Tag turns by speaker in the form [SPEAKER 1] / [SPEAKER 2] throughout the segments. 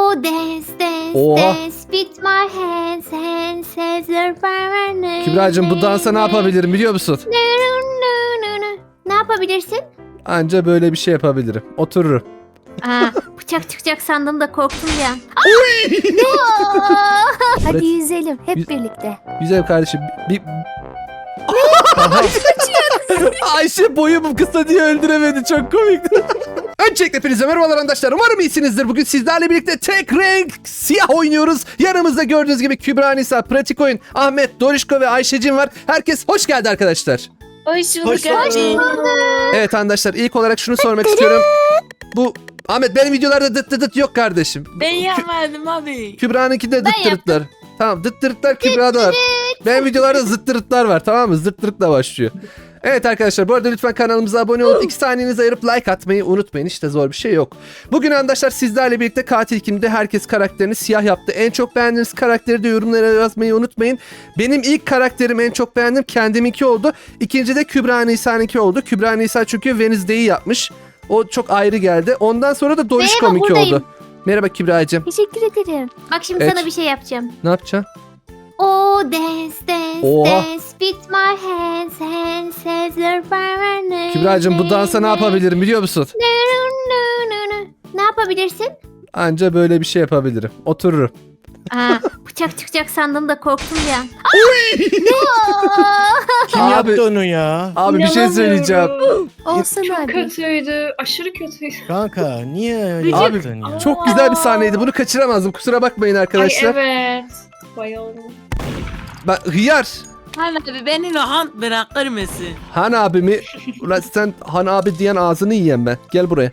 [SPEAKER 1] Oh dance dance
[SPEAKER 2] Oha.
[SPEAKER 1] dance with my hands hands as your power.
[SPEAKER 2] Kübra'cığım bu dansa ne yapabilirim biliyor musun?
[SPEAKER 1] Ne yapabilirsin?
[SPEAKER 2] Anca böyle bir şey yapabilirim. Otururum.
[SPEAKER 1] Aa, bıçak çıkacak sandım da korktum ya.
[SPEAKER 3] Hadi yüzelim hep birlikte.
[SPEAKER 2] Güzel kardeşim. Bir... Ayşe boyum kısa diye öldüremedi. Çok komikti. Öncelikle hepinize merhabalar arkadaşlar. Umarım iyisinizdir. Bugün sizlerle birlikte tek renk siyah oynuyoruz. Yanımızda gördüğünüz gibi Kübra, Nisa, Pratik Oyun, Ahmet, Dorişko ve Ayşe'cim var. Herkes hoş geldi arkadaşlar.
[SPEAKER 4] Hoş bulduk.
[SPEAKER 3] Hoş bulduk.
[SPEAKER 2] Evet arkadaşlar ilk olarak şunu sormak istiyorum. Bu Ahmet benim videolarda dıt dıt dıt yok kardeşim.
[SPEAKER 4] Ben yapmadım abi.
[SPEAKER 2] Kübra'nınki de dıt dırıtlar. Tamam dıt dırıtlar Kübra'da var. Benim videolarda zıt dırıtlar var, tamam mı? Zıt dırıtla başlıyor. Evet arkadaşlar bu arada lütfen kanalımıza abone olup 2 saniyenizi ayırıp like atmayı unutmayın. İşte zor bir şey yok. Bugün arkadaşlar sizlerle birlikte katil kimde herkes karakterini siyah yaptı. En çok beğendiğiniz karakteri de yorumlara yazmayı unutmayın. Benim ilk karakterim en çok beğendim kendiminki oldu. İkinci de Kübra Nisa'nınki oldu. Kübra Nisa çünkü Wednesday'i yapmış. O çok ayrı geldi. Ondan sonra da Dorişko'nunki
[SPEAKER 1] buradayım.
[SPEAKER 2] oldu. Merhaba Kübra'cığım.
[SPEAKER 3] Teşekkür ederim.
[SPEAKER 1] Bak şimdi
[SPEAKER 2] Evet.
[SPEAKER 1] sana bir şey yapacağım.
[SPEAKER 2] Ne yapacaksın?
[SPEAKER 1] Oh dance dance
[SPEAKER 2] Oha.
[SPEAKER 1] dance with my hands hands as your power.
[SPEAKER 2] Kübra'cığım bu dansa ne yapabilirim biliyor musun?
[SPEAKER 1] Ne yapabilirsin?
[SPEAKER 2] Anca böyle bir şey yapabilirim. Otururum.
[SPEAKER 1] Aa, bıçak çıkacak sandım da korktum ya.
[SPEAKER 5] Kim
[SPEAKER 2] Abi-
[SPEAKER 5] yaptı onu ya?
[SPEAKER 2] Abi bir şey söyleyeceğim.
[SPEAKER 3] Olsun
[SPEAKER 4] Çok
[SPEAKER 3] abi.
[SPEAKER 4] kötüydü. Aşırı kötüydü.
[SPEAKER 5] Kanka niye öyle
[SPEAKER 2] Abi,
[SPEAKER 5] yaptın ya?
[SPEAKER 2] Çok güzel bir sahneydi. Bunu kaçıramazdım. Kusura bakmayın arkadaşlar.
[SPEAKER 4] Ay evet. Bayıldım.
[SPEAKER 2] Ben hıyar.
[SPEAKER 6] Han abi beni rahat bırakır mısın?
[SPEAKER 2] Han abimi. Ulan sen Han abi diyen ağzını yiyen ben. Gel buraya.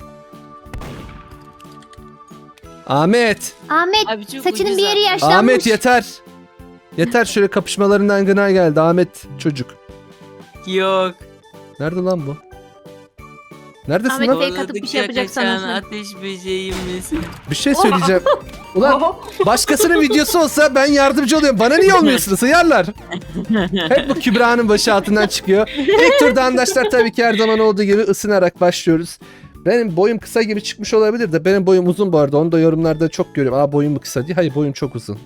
[SPEAKER 2] Ahmet.
[SPEAKER 1] Ahmet
[SPEAKER 6] Abi çok
[SPEAKER 1] saçının
[SPEAKER 6] ucuz
[SPEAKER 1] bir yeri
[SPEAKER 6] abi.
[SPEAKER 1] yaşlanmış.
[SPEAKER 2] Ahmet yeter. Yeter şöyle kapışmalarından gına geldi. Ahmet çocuk.
[SPEAKER 6] Yok.
[SPEAKER 2] Nerede lan bu? Neredesin
[SPEAKER 1] Ahmet
[SPEAKER 2] lan?
[SPEAKER 1] Fake atıp bir şey yapacak
[SPEAKER 6] Kaçan
[SPEAKER 1] sanıyorsun.
[SPEAKER 6] ateş böceğim misin?
[SPEAKER 2] Bir şey söyleyeceğim. Ulan başkasının videosu olsa ben yardımcı oluyorum. Bana niye olmuyorsunuz hıyarlar? Hep bu Kübra'nın başı altından çıkıyor. İlk turda arkadaşlar tabii ki her zaman olduğu gibi ısınarak başlıyoruz. Benim boyum kısa gibi çıkmış olabilir de benim boyum uzun bu arada. Onu da yorumlarda çok görüyorum. Aa boyum mu kısa diye. Hayır boyum çok uzun.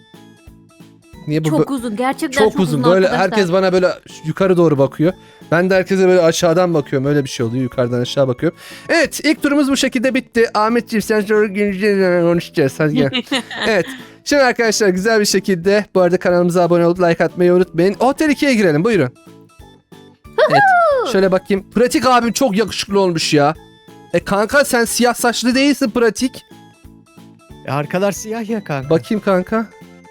[SPEAKER 2] Niye bu
[SPEAKER 1] Çok uzun gerçekten
[SPEAKER 2] çok uzun. Böyle
[SPEAKER 1] arkadaşlar.
[SPEAKER 2] herkes bana böyle yukarı doğru bakıyor. Ben de herkese böyle aşağıdan bakıyorum. Öyle bir şey oluyor. Yukarıdan aşağı bakıyorum. Evet ilk turumuz bu şekilde bitti. Ahmetciğim sen sonra konuşacağız. Hadi gel. Evet. Şimdi arkadaşlar güzel bir şekilde bu arada kanalımıza abone olup like atmayı unutmayın. Otel 2'ye girelim buyurun. Evet. Şöyle bakayım. Pratik abim çok yakışıklı olmuş ya. Kanka sen siyah saçlı değilsin Pratik.
[SPEAKER 5] Arkalar siyah ya kanka.
[SPEAKER 2] Bakayım kanka.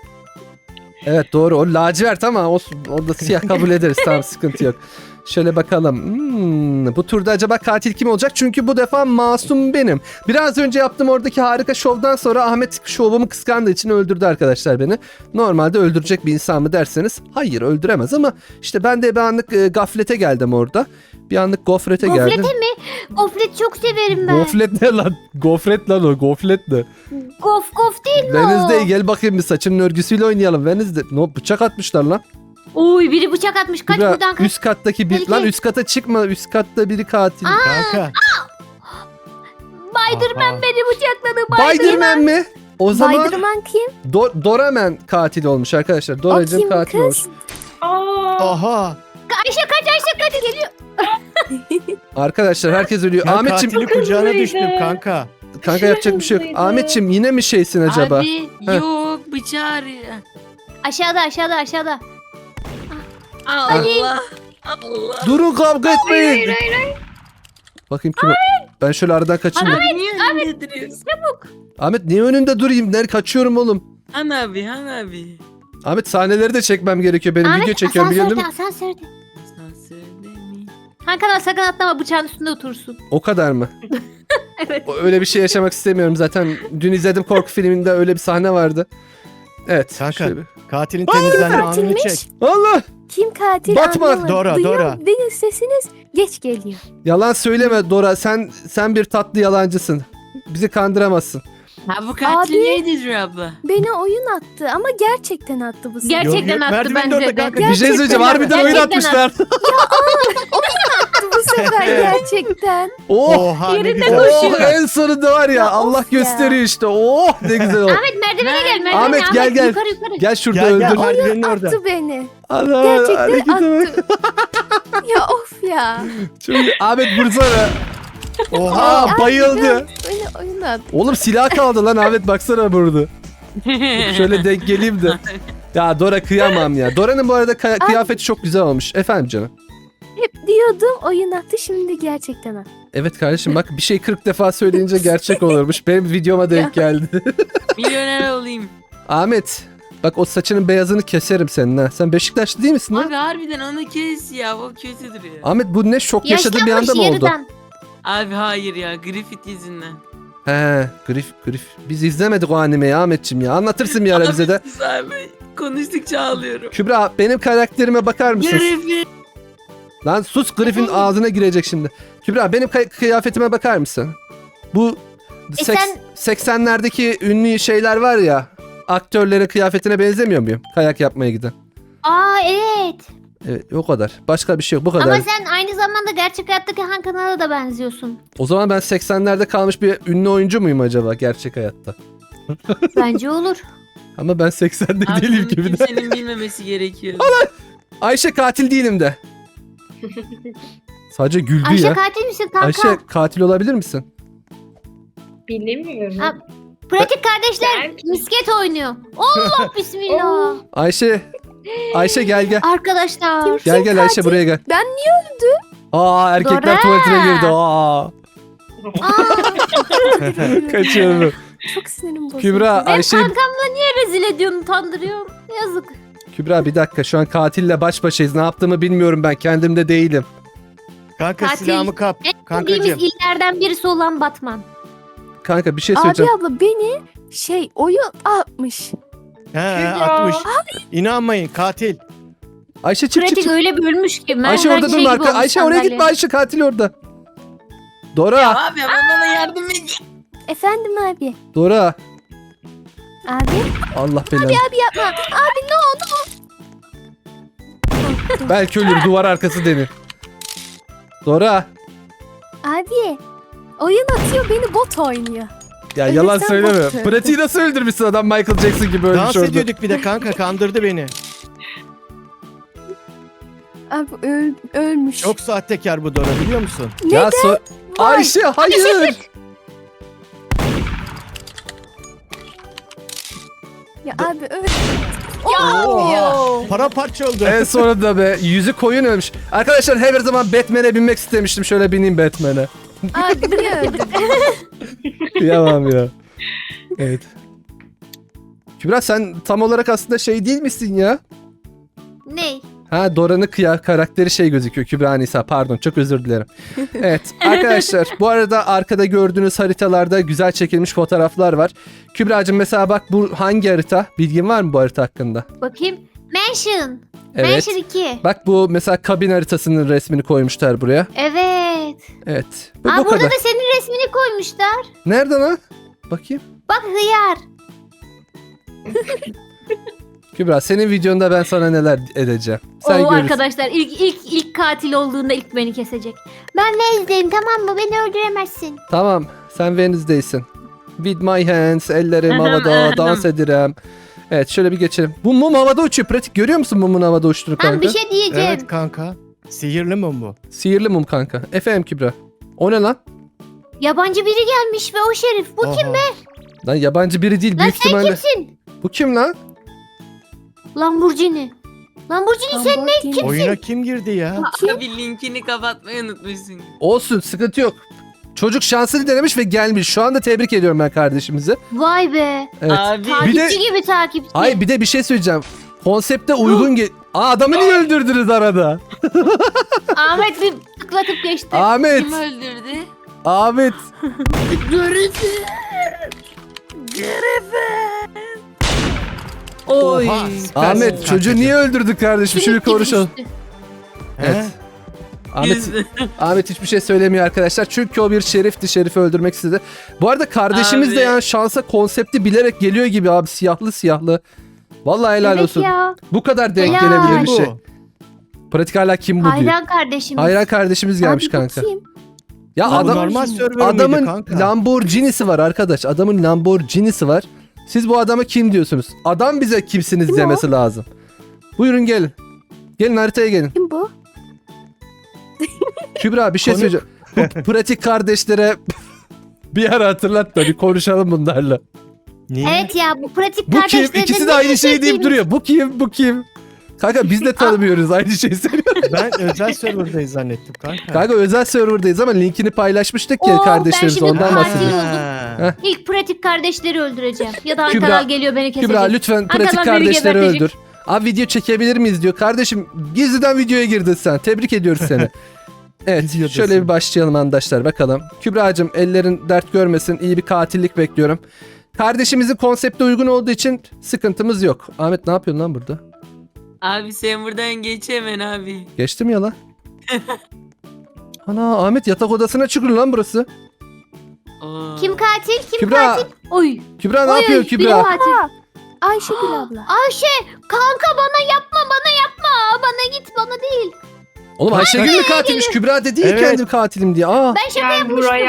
[SPEAKER 2] Evet doğru. O lacivert ama olsun. O da siyah kabul ederiz. Tamam sıkıntı yok. Şöyle bakalım. Bu turda acaba katil kim olacak? Çünkü bu defa masum benim. Biraz önce yaptığım oradaki harika şovdan sonra Ahmet şovumu kıskandığı için öldürdü arkadaşlar beni. Normalde öldürecek bir insan mı derseniz hayır öldüremez ama işte ben de bir anlık gaflete geldim orada. Bir anlık gofrete geldim.
[SPEAKER 1] Gofrete mi? Gofret çok severim ben.
[SPEAKER 2] Goflet ne lan? Gofret lan o. Goflet ne?
[SPEAKER 1] Gof değil mi
[SPEAKER 2] Wednesday
[SPEAKER 1] o?
[SPEAKER 2] gel bakayım bir saçının örgüsüyle oynayalım. Wednesday. No, bıçak atmışlar lan.
[SPEAKER 1] Oy biri bıçak atmış. Kaç
[SPEAKER 2] Kübra,
[SPEAKER 1] buradan kaç.
[SPEAKER 2] üst kattaki bir...
[SPEAKER 1] Tehlike.
[SPEAKER 2] Lan üst kata çıkma. Üst katta biri katil.
[SPEAKER 5] Kanka.
[SPEAKER 1] Spiderman
[SPEAKER 5] Aha.
[SPEAKER 1] beni bıçakladı.
[SPEAKER 2] Spiderman mi? O zaman
[SPEAKER 3] Spiderman kim?
[SPEAKER 2] Doraman katil olmuş arkadaşlar.
[SPEAKER 3] O
[SPEAKER 2] Doracığım
[SPEAKER 3] kim
[SPEAKER 2] katil olmuş.
[SPEAKER 3] kız?
[SPEAKER 5] Aha.
[SPEAKER 1] Ayşe kaç geliyor.
[SPEAKER 2] Arkadaşlar herkes ölüyor.
[SPEAKER 5] Ya
[SPEAKER 2] Ahmetçim
[SPEAKER 5] katili kucağına
[SPEAKER 4] hızlıydı.
[SPEAKER 5] düştüm kanka.
[SPEAKER 2] kanka yapacak bir şey yok.
[SPEAKER 4] hızlıydı.
[SPEAKER 2] Ahmetçim yine mi şeysin acaba?
[SPEAKER 6] Abi
[SPEAKER 2] Heh.
[SPEAKER 6] yok bıçağı arıyor.
[SPEAKER 1] Aşağıda.
[SPEAKER 6] Allah. Allah.
[SPEAKER 2] Durun kavga etmeyin. Bakayım kim o? Ben şöyle aradan kaçayım. da.
[SPEAKER 6] Abi niye önünde duruyorsun?
[SPEAKER 2] Ahmet niye önünde durayım? Nerede kaçıyorum oğlum?
[SPEAKER 6] Han abi.
[SPEAKER 2] Ahmet sahneleri de çekmem gerekiyor. Benim video çekiyorum biliyorsun değil mi?
[SPEAKER 1] Asansörde.
[SPEAKER 6] Asansörde mi?
[SPEAKER 1] Hakan sakın atlama bıçağın üstünde otursun.
[SPEAKER 2] O kadar mı?
[SPEAKER 1] Evet.
[SPEAKER 2] Öyle bir şey yaşamak istemiyorum zaten. Dün izledim korku filminde öyle bir sahne vardı. Evet.
[SPEAKER 5] Kanka.
[SPEAKER 2] şöyle bir-
[SPEAKER 5] Katilin temizlenme anını
[SPEAKER 3] katilmiş.
[SPEAKER 5] çek.
[SPEAKER 2] Allah!
[SPEAKER 3] Kim katil
[SPEAKER 2] Batman.
[SPEAKER 3] anlamadım.
[SPEAKER 5] Dora,
[SPEAKER 3] Duyuyor
[SPEAKER 5] Dora.
[SPEAKER 3] değil sesiniz geç geliyor.
[SPEAKER 2] Yalan söyleme Dora. Sen bir tatlı yalancısın. Bizi kandıramazsın.
[SPEAKER 6] Ha bu katil
[SPEAKER 3] Abi.
[SPEAKER 6] neydi abla?
[SPEAKER 3] Beni oyun attı ama gerçekten attı bu sefer.
[SPEAKER 1] Gerçekten
[SPEAKER 5] Yok,
[SPEAKER 1] attı
[SPEAKER 5] merdiven de
[SPEAKER 1] bence
[SPEAKER 5] orada
[SPEAKER 1] de.
[SPEAKER 5] kanka.
[SPEAKER 2] Bir şey söyleyeceğim. Harbiden oyun
[SPEAKER 1] Gerçekten
[SPEAKER 2] atmışlar.
[SPEAKER 3] Attı bu sefer gerçekten.
[SPEAKER 2] Oh!
[SPEAKER 5] Oha ne
[SPEAKER 1] yerinde
[SPEAKER 5] güzel.
[SPEAKER 2] Oh en sonunda var ya,
[SPEAKER 3] Ya
[SPEAKER 2] Allah
[SPEAKER 3] of ya.
[SPEAKER 2] gösteriyor işte. Oh ne güzel oldu.
[SPEAKER 1] Ahmet merdivene gel merdivene.
[SPEAKER 2] Ahmet, gel, gel.
[SPEAKER 1] Yukarı yukarı.
[SPEAKER 2] Gel şurada
[SPEAKER 5] Gel gel
[SPEAKER 2] öldür.
[SPEAKER 5] merdivenin orada.
[SPEAKER 3] Attı beni.
[SPEAKER 2] Ana,
[SPEAKER 3] Gerçekten
[SPEAKER 2] harekete bak.
[SPEAKER 3] attı. Ya of ya.
[SPEAKER 2] Çok iyi. Ahmet vursana.
[SPEAKER 5] Oha.
[SPEAKER 2] Aa bayıldı.
[SPEAKER 3] Beni oyuna attı.
[SPEAKER 2] Oğlum silah kaldı lan Ahmet, baksana burada. Şöyle denk geleyim de. Ya Dora kıyamam ya. Dora'nın bu arada kıyafeti çok güzel olmuş. Efendim canım.
[SPEAKER 3] Hep diyordum oyun attı şimdi gerçekten attı.
[SPEAKER 2] Evet kardeşim bak, bir şey 40 defa söyleyince gerçek olurmuş. Benim videoma denk geldi.
[SPEAKER 6] Milyoner olayım.
[SPEAKER 2] Ahmet bak, o saçının beyazını keserim senin ha. Sen Beşiktaşlı değil misin lan?
[SPEAKER 6] Abi harbiden onu kes ya. O kötü duruyor.
[SPEAKER 2] Ahmet bu ne, şok yaşadığı bir anda mı oldu?
[SPEAKER 1] yarıdan.
[SPEAKER 6] Abi hayır ya. Griffith yüzünden.
[SPEAKER 2] He, Grif. Biz izlemedik o animeyi Ahmetciğim ya. Anlatırsın bir ara bize de.
[SPEAKER 6] Sus abi. Konuştukça ağlıyorum.
[SPEAKER 2] Kübra benim karakterime bakar mısın?
[SPEAKER 6] Griffith.
[SPEAKER 2] Lan sus, Griff'in ağzına girecek şimdi. Kübra benim kıyafetime bakar mısın? Bu
[SPEAKER 1] sen-
[SPEAKER 2] 80'lerdeki ünlü şeyler var ya. Aktörlerin kıyafetine benzemiyor muyum? Kayak yapmaya giden.
[SPEAKER 1] Aa evet.
[SPEAKER 2] Evet, o kadar. Başka bir şey yok, bu kadar.
[SPEAKER 1] Ama sen aynı zamanda gerçek hayattaki Han Kanal'a da benziyorsun.
[SPEAKER 2] O zaman ben 80'lerde kalmış bir ünlü oyuncu muyum acaba gerçek hayatta?
[SPEAKER 1] Bence olur.
[SPEAKER 2] Ama ben 80'de
[SPEAKER 6] Abi
[SPEAKER 2] değilim
[SPEAKER 6] bunu
[SPEAKER 2] gibi de.
[SPEAKER 6] kimsenin bilmemesi gerekiyor.
[SPEAKER 2] Ayşe katil değilim de. Sadece güldü
[SPEAKER 1] Ayşe
[SPEAKER 2] ya.
[SPEAKER 1] katil misin kanka?
[SPEAKER 2] Ayşe katil olabilir misin?
[SPEAKER 4] Bilemiyorum.
[SPEAKER 1] Ha, Pratik kardeşler
[SPEAKER 4] Belki.
[SPEAKER 1] misket oynuyor. Allah bismillah.
[SPEAKER 2] Ayşe gel.
[SPEAKER 1] Arkadaşlar.
[SPEAKER 2] Gel Ayşe, buraya gel.
[SPEAKER 3] Ben niye
[SPEAKER 2] Aa erkekler
[SPEAKER 1] Dora.
[SPEAKER 2] tuvaletine girdi. Aa.
[SPEAKER 1] Aa,
[SPEAKER 2] Kaçıyorum.
[SPEAKER 3] çok sinirim bozuldu.
[SPEAKER 2] Kübra
[SPEAKER 1] ben
[SPEAKER 2] Ayşe.
[SPEAKER 1] kankamla niye rezil ediyorsun, utandırıyorum. Yazık.
[SPEAKER 2] Kübra bir dakika, şu an katille baş başayız. Ne yaptığımı bilmiyorum ben. Kendimde değilim.
[SPEAKER 5] Kanka
[SPEAKER 1] Katil.
[SPEAKER 5] silahımı kap.
[SPEAKER 1] En bildiğimiz
[SPEAKER 5] Kankacığım.
[SPEAKER 1] illerden birisi olan Batman.
[SPEAKER 2] Kanka bir şey
[SPEAKER 3] Abi
[SPEAKER 2] söyleyeceğim.
[SPEAKER 3] abla beni oyun atmış.
[SPEAKER 5] He atmış. İnanmayın katil.
[SPEAKER 2] Ayşe çık.
[SPEAKER 1] Pratik öyle bölmüş ki.
[SPEAKER 2] Ayşe orada durma. Ayşe oraya gitme. Ayşe katil orada. Dora.
[SPEAKER 6] Ya abi bana yardım et.
[SPEAKER 3] Efendim abi.
[SPEAKER 2] Dora.
[SPEAKER 3] Abi.
[SPEAKER 2] Allah belanı.
[SPEAKER 3] Abi yapma. Abi ne oldu?
[SPEAKER 2] Belki ölür, duvar arkası denir. Dora.
[SPEAKER 3] Abi. Oyun atıyor beni bot oynuyor.
[SPEAKER 2] Ya
[SPEAKER 3] Evet,
[SPEAKER 2] yalan
[SPEAKER 3] sen
[SPEAKER 2] söyleme.
[SPEAKER 3] bot.
[SPEAKER 2] Pratiği nasıl öldürmüşsün, adam Michael Jackson gibi ölmüş
[SPEAKER 5] Dans
[SPEAKER 2] orada.
[SPEAKER 5] ediyorduk bir de kanka, kandırdı beni.
[SPEAKER 3] Abi ölmüş.
[SPEAKER 5] Çok sahtekar bu Dora, biliyor musun?
[SPEAKER 2] Ya Ayşe hayır.
[SPEAKER 3] Ya abi öl.
[SPEAKER 5] Oha. Paramparça oldu.
[SPEAKER 2] En sonunda be, yüzü koyun ölmüş. Arkadaşlar her zaman Batman'e binmek istemiştim. Şöyle bineyim Batman'e.
[SPEAKER 3] Abi niye öldün?
[SPEAKER 2] Kıyamam ya. Evet. Kübra sen tam olarak aslında şey değil misin ya?
[SPEAKER 1] Ney?
[SPEAKER 2] Ha, Dora'nın karakteri şey gözüküyor. Kübra Nisa, pardon, çok özür dilerim. Evet arkadaşlar, bu arada arkada gördüğünüz haritalarda güzel çekilmiş fotoğraflar var. Kübra'cığım mesela bak, bu hangi harita? Bilgin var mı bu harita hakkında?
[SPEAKER 1] Bakayım. Mansion.
[SPEAKER 2] Evet.
[SPEAKER 1] Mansion 2.
[SPEAKER 2] Bak bu mesela kabin haritasının resmini koymuşlar buraya.
[SPEAKER 1] Evet.
[SPEAKER 2] Evet.
[SPEAKER 1] Aa,
[SPEAKER 2] Bu
[SPEAKER 1] burada
[SPEAKER 2] kadar.
[SPEAKER 1] da senin resmini koymuşlar.
[SPEAKER 2] Nerede lan? Bakayım.
[SPEAKER 1] Bak hıyar.
[SPEAKER 2] Kübra senin videonda ben sana neler edeceğim. Sen
[SPEAKER 1] O
[SPEAKER 2] görürsün.
[SPEAKER 1] arkadaşlar ilk katil olduğunda ilk beni kesecek. Ben ne izleyeyim, tamam mı? Beni öldüremezsin.
[SPEAKER 2] Tamam, sen Wednesday'sin. With my hands, ellerim
[SPEAKER 6] Ahem,
[SPEAKER 2] havada,
[SPEAKER 6] ahem.
[SPEAKER 2] dans ederim. Evet, şöyle bir geçelim. Bu mum havada uçuyor. Pratik, görüyor musun mumun havada uçtuğunu
[SPEAKER 1] Ben
[SPEAKER 2] kanka?
[SPEAKER 1] bir şey diyeceğim.
[SPEAKER 5] Evet kanka. Sihirli mum bu.
[SPEAKER 2] Sihirli mum kanka. Efendim Kübra. O ne lan?
[SPEAKER 1] Yabancı biri gelmiş ve o şerif. Bu kim be?
[SPEAKER 2] Lan yabancı biri değil,
[SPEAKER 1] Lan
[SPEAKER 2] büyük
[SPEAKER 1] sen
[SPEAKER 2] ihtimalle.
[SPEAKER 1] kimsin?
[SPEAKER 2] Bu kim lan?
[SPEAKER 1] Lamborghini. Lamborghini sen ne?
[SPEAKER 5] Oyuna kim girdi ya?
[SPEAKER 6] Abi linkini kapatmayı unutmuşsun.
[SPEAKER 2] Olsun, sıkıntı yok. Çocuk şansını denemiş ve gelmiş. Şu anda tebrik ediyorum ben kardeşimizi.
[SPEAKER 1] Vay be.
[SPEAKER 2] Evet.
[SPEAKER 6] Abi.
[SPEAKER 2] Bir de-
[SPEAKER 1] Takipçi gibi takipçi.
[SPEAKER 2] Ay bir de bir şey söyleyeceğim. Konsepte uygun Aa, adamı niye öldürdünüz arada?
[SPEAKER 1] Ahmet bir tıklatıp geçti.
[SPEAKER 2] Ahmet.
[SPEAKER 6] Kim öldürdü?
[SPEAKER 2] Ahmet.
[SPEAKER 6] Griffith. Oy.
[SPEAKER 5] Oha, süpersin
[SPEAKER 2] Ahmet
[SPEAKER 5] kankacığım.
[SPEAKER 2] çocuğu niye öldürdük kardeşim? Şunu
[SPEAKER 1] Silik gibi
[SPEAKER 2] konuşalım.
[SPEAKER 1] düştü.
[SPEAKER 2] Evet. Ahmet,
[SPEAKER 6] Yüzde.
[SPEAKER 2] Ahmet hiçbir şey söylemiyor arkadaşlar. Çünkü o bir şerifti. Şerifi öldürmek istedi. Bu arada kardeşimiz de
[SPEAKER 6] Abi.
[SPEAKER 2] yani şansa konsepti bilerek geliyor gibi abi. Siyahlı siyahlı. Vallahi helal
[SPEAKER 1] Evet
[SPEAKER 2] olsun.
[SPEAKER 1] ya.
[SPEAKER 2] Bu kadar denk
[SPEAKER 1] Helal.
[SPEAKER 2] gelebilir bir
[SPEAKER 5] Bu.
[SPEAKER 2] şey. Pratik hala kim bu diyor.
[SPEAKER 1] Hayran kardeşimiz.
[SPEAKER 2] Hayran kardeşimiz gelmiş
[SPEAKER 3] Abi bu
[SPEAKER 2] kanka.
[SPEAKER 3] kim?
[SPEAKER 2] Ya
[SPEAKER 5] Bu
[SPEAKER 2] adam
[SPEAKER 5] normal server miydi
[SPEAKER 2] adamın
[SPEAKER 5] kanka?
[SPEAKER 2] Lamborghini'si var arkadaş. Adamın Lamborghini'si var. Siz bu adama kim diyorsunuz? Adam bize kimsiniz
[SPEAKER 3] Kim o?
[SPEAKER 2] demesi lazım. Buyurun gelin. Gelin haritaya gelin.
[SPEAKER 3] Kim bu?
[SPEAKER 2] Kübra bir şey
[SPEAKER 5] Konu-
[SPEAKER 2] söyleyeceğim. Bu pratik kardeşlere bir ara hatırlat da bir konuşalım bunlarla.
[SPEAKER 5] Niye?
[SPEAKER 1] Evet ya bu pratik
[SPEAKER 2] Bu kim?
[SPEAKER 1] kardeşlerden
[SPEAKER 2] İkisi de aynı şeyi deyip duruyor. Bu kim? Bu kim? Kanka biz de tanımıyoruz aynı şeyi söylüyor.
[SPEAKER 5] Ben özel serverdayız zannettim kanka.
[SPEAKER 2] Kanka özel serverdayız ama linkini paylaşmıştık ya
[SPEAKER 1] Oo, ben
[SPEAKER 2] kardeşlerimiz
[SPEAKER 1] şimdi
[SPEAKER 2] ondan
[SPEAKER 1] katil
[SPEAKER 2] bahsediyorum.
[SPEAKER 1] oldum. İlk pratik kardeşleri öldüreceğim. Ya da
[SPEAKER 2] Kübra-
[SPEAKER 1] Ankara geliyor beni kesecek.
[SPEAKER 2] Kübra lütfen pratik
[SPEAKER 1] Arkadan beni
[SPEAKER 2] kardeşleri
[SPEAKER 1] gebertecek.
[SPEAKER 2] öldür. Abi video çekebilir miyiz diyor. Kardeşim gizliden videoya girdin sen. Tebrik ediyoruz seni. Evet
[SPEAKER 5] Videodasın.
[SPEAKER 2] şöyle bir başlayalım arkadaşlar bakalım. Kübra'cığım ellerin dert görmesin. İyi bir katillik bekliyorum. Kardeşimizin konsepte uygun olduğu için sıkıntımız yok. Ahmet ne yapıyorsun lan burada?
[SPEAKER 6] Abi sen buradan geç hemen abi.
[SPEAKER 2] Geçtim ya lan. Ana Ahmet yatak odasına çıkıyor lan burası.
[SPEAKER 6] Oo.
[SPEAKER 1] Kim katil? Kim
[SPEAKER 2] Kübra.
[SPEAKER 1] katil? Oy.
[SPEAKER 2] Kübra ne
[SPEAKER 1] Oy,
[SPEAKER 2] yapıyor
[SPEAKER 1] oy,
[SPEAKER 2] Kübra?
[SPEAKER 1] benim katil.
[SPEAKER 3] Ayşegül abla.
[SPEAKER 1] Ayşe kanka bana yapma bana yapma. Bana git bana değil.
[SPEAKER 2] Oğlum Ayşegül mü katilmiş? Kübra dedi ya
[SPEAKER 5] Evet.
[SPEAKER 2] kendim katilim diye. Aa.
[SPEAKER 1] Ben şaka
[SPEAKER 4] Gel
[SPEAKER 1] yapmıştım.
[SPEAKER 4] buraya.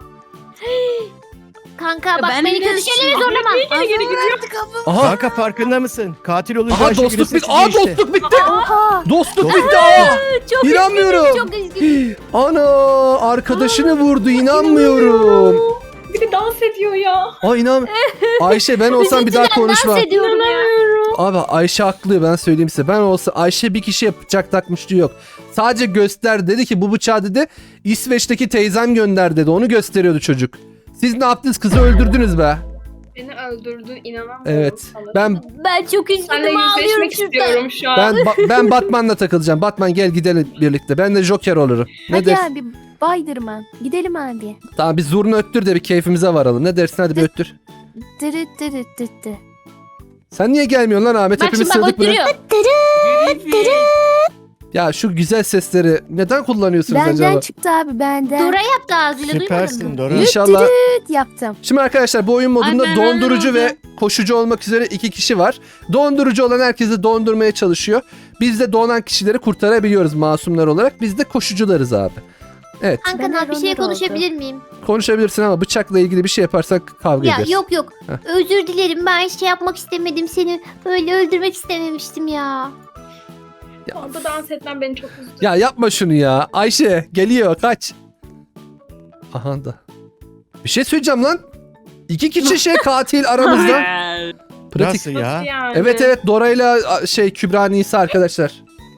[SPEAKER 1] Kanka bak
[SPEAKER 6] Ben
[SPEAKER 1] beni
[SPEAKER 6] de
[SPEAKER 1] kötü şeylere zorlama.
[SPEAKER 2] Aha.
[SPEAKER 5] Kanka farkında mısın? Katil olunca
[SPEAKER 2] Aha
[SPEAKER 5] Ayşegül'ün
[SPEAKER 2] dostluk bitti.
[SPEAKER 5] sesi
[SPEAKER 2] Aa
[SPEAKER 5] değişti.
[SPEAKER 2] dostluk bitti.
[SPEAKER 3] Oha.
[SPEAKER 2] Dostluk bitti. Aa.
[SPEAKER 1] Çok
[SPEAKER 2] İnanmıyorum.
[SPEAKER 1] üzgünüm, çok üzgünüm.
[SPEAKER 2] Ana arkadaşını vurdu inanmıyorum.
[SPEAKER 4] Bir de dans ediyor ya.
[SPEAKER 2] Ay inan. Ayşe ben olsam bir daha
[SPEAKER 1] Üzüntüden
[SPEAKER 2] konuşma.
[SPEAKER 1] dans ediyorum ya.
[SPEAKER 2] Abi Ayşe haklı ben söyleyeyim size. Ben olsa Ayşe bir kişiye bıçak takmıştı yok. Sadece göster dedi ki bu bıçağı dedi İsveç'teki teyzem gönder dedi. Onu gösteriyordu çocuk. Siz ne yaptınız kızı öldürdünüz be.
[SPEAKER 4] Beni öldürdü inanamıyorum.
[SPEAKER 2] Evet.
[SPEAKER 4] sana.
[SPEAKER 2] Ben
[SPEAKER 1] çok
[SPEAKER 4] Seninle
[SPEAKER 1] üzgünüm ağlıyorum
[SPEAKER 4] yüzleşmek
[SPEAKER 1] şurada.
[SPEAKER 4] istiyorum şu an.
[SPEAKER 2] ben Batman'la takılacağım. Batman gel gidelim birlikte. Ben de Joker olurum. Ne
[SPEAKER 3] Hadi
[SPEAKER 2] dersin?
[SPEAKER 3] abi. Baydırman. Gidelim abi.
[SPEAKER 2] Tamam bir zurna öttür de bir keyfimize varalım. Ne dersin hadi bir öttür.
[SPEAKER 3] Dırıt dırıt dırıt dırıt.
[SPEAKER 2] Sen niye gelmiyorsun lan Ahmet?
[SPEAKER 1] Bak
[SPEAKER 2] Hepimiz
[SPEAKER 1] şimdi bak
[SPEAKER 2] sığdık buraya.
[SPEAKER 1] öttürüyor.
[SPEAKER 2] Ya şu güzel sesleri neden kullanıyorsunuz
[SPEAKER 3] Benden
[SPEAKER 2] acaba?
[SPEAKER 3] çıktı abi benden.
[SPEAKER 1] Dora yaptı ağzıyla duymadın
[SPEAKER 5] Süpersin
[SPEAKER 1] mı?
[SPEAKER 5] Dora.
[SPEAKER 2] İnşallah.
[SPEAKER 3] Dırıt yaptım.
[SPEAKER 2] Şimdi arkadaşlar bu oyun modunda
[SPEAKER 6] Ay, ben
[SPEAKER 2] dondurucu
[SPEAKER 6] öyle
[SPEAKER 2] ve koşucu olmak üzere 2 kişi var. Dondurucu olan herkesi dondurmaya çalışıyor. Biz de donan kişileri kurtarabiliyoruz masumlar olarak. Biz de koşucularız abi. Evet
[SPEAKER 1] Kanka
[SPEAKER 3] Ben
[SPEAKER 1] bir şey
[SPEAKER 3] Ronaldo
[SPEAKER 1] konuşabilir miyim?
[SPEAKER 2] konuşabilirsin ama bıçakla ilgili bir şey yaparsak kavga
[SPEAKER 1] Ya
[SPEAKER 2] ederiz.
[SPEAKER 1] yok yok.
[SPEAKER 2] Heh.
[SPEAKER 1] Özür dilerim ben şey yapmak istemedim seni. Böyle öldürmek istememiştim ya.
[SPEAKER 4] Orada dans etmen beni çok üzdü.
[SPEAKER 2] Ya yapma şunu ya. Ayşe geliyor kaç. Aha da. Bir şey söyleyeceğim lan. 2 kişi şey katil aramızda. Pratik.
[SPEAKER 5] Nasıl ya?
[SPEAKER 4] Yani.
[SPEAKER 2] Evet evet Dora'yla Kübra Nisa arkadaşlar.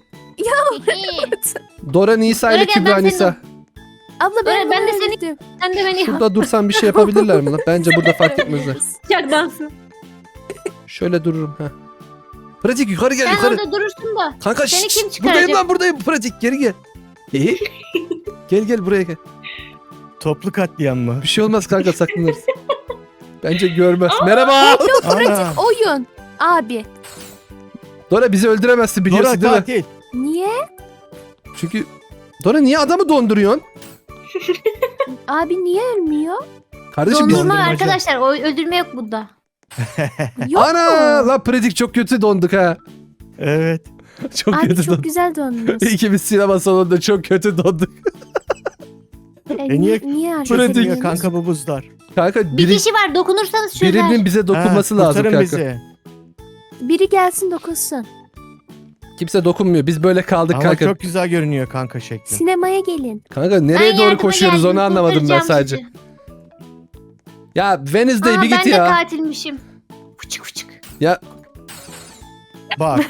[SPEAKER 2] Dora Nisa ile
[SPEAKER 1] Dora gel,
[SPEAKER 2] Kübra
[SPEAKER 1] ben
[SPEAKER 2] Nisa.
[SPEAKER 3] Abla
[SPEAKER 1] Dora,
[SPEAKER 3] ben,
[SPEAKER 1] ben de
[SPEAKER 3] bunu
[SPEAKER 1] seni-
[SPEAKER 3] öldürdüm.
[SPEAKER 1] Sen de beni
[SPEAKER 2] Şurada dursan bir şey yapabilirler mi lan? Bence burada fark etmezler.
[SPEAKER 1] yapacak dansın.
[SPEAKER 2] Şöyle dururum ha. Pratik yukarı gel
[SPEAKER 1] Sen
[SPEAKER 2] yukarı.
[SPEAKER 1] orada durursun da.
[SPEAKER 2] Kanka
[SPEAKER 1] Seni
[SPEAKER 2] şşş,
[SPEAKER 1] kim çıkaracak?
[SPEAKER 2] buradayım lan buradayım. Pratik geri gel. Gel gel buraya gel.
[SPEAKER 5] Toplu katliam mı?
[SPEAKER 2] Bir şey olmaz kanka saklanırız. Bence görmez. Merhaba.
[SPEAKER 5] Ana.
[SPEAKER 3] Oyun. Abi.
[SPEAKER 2] Dora bizi öldüremezsin
[SPEAKER 5] Dora
[SPEAKER 2] biliyorsun değil mi?
[SPEAKER 5] katil.
[SPEAKER 3] Niye?
[SPEAKER 2] Çünkü Dora niye adamı donduruyorsun?
[SPEAKER 3] Abi niye ölmüyor?
[SPEAKER 2] Kardeşim biz...
[SPEAKER 1] Dondurma
[SPEAKER 5] Dondurmacı.
[SPEAKER 1] arkadaşlar o öldürme yok bunda.
[SPEAKER 3] Yok
[SPEAKER 2] Ana
[SPEAKER 3] mu?
[SPEAKER 2] lan Pratik çok kötü donduk ha.
[SPEAKER 5] Evet.
[SPEAKER 2] Çok
[SPEAKER 3] Abi
[SPEAKER 2] kötü
[SPEAKER 3] çok
[SPEAKER 2] donduk.
[SPEAKER 3] güzel dondunuz.
[SPEAKER 2] İkimiz sinema salonunda çok kötü donduk.
[SPEAKER 5] niye-
[SPEAKER 3] niye
[SPEAKER 2] Pratik.
[SPEAKER 5] Çözülmüyor
[SPEAKER 3] hareket
[SPEAKER 5] kanka bu buzlar.
[SPEAKER 2] Kanka
[SPEAKER 1] Bir kişi var dokunursanız çözer.
[SPEAKER 2] birinin bize dokunması lazım
[SPEAKER 5] kurtarın
[SPEAKER 2] kanka.
[SPEAKER 5] bizi.
[SPEAKER 3] Biri gelsin dokunsun.
[SPEAKER 2] Kimse dokunmuyor. Biz böyle kaldık
[SPEAKER 5] Ama
[SPEAKER 2] kanka.
[SPEAKER 5] çok güzel görünüyor kanka şekli.
[SPEAKER 3] Sinemaya gelin.
[SPEAKER 2] Kanka nereye
[SPEAKER 1] Ben
[SPEAKER 2] doğru
[SPEAKER 1] yardıma
[SPEAKER 2] koşuyoruz
[SPEAKER 1] geldim,
[SPEAKER 2] onu anlamadım ben
[SPEAKER 1] kurtaracağım
[SPEAKER 2] sadece.
[SPEAKER 1] sizi.
[SPEAKER 2] Ya Wednesday
[SPEAKER 1] Aa,
[SPEAKER 2] bir
[SPEAKER 1] ben
[SPEAKER 2] git
[SPEAKER 1] de
[SPEAKER 2] ya.
[SPEAKER 1] katilmişim. Fıçık fıçık.
[SPEAKER 2] Ya
[SPEAKER 5] Bak.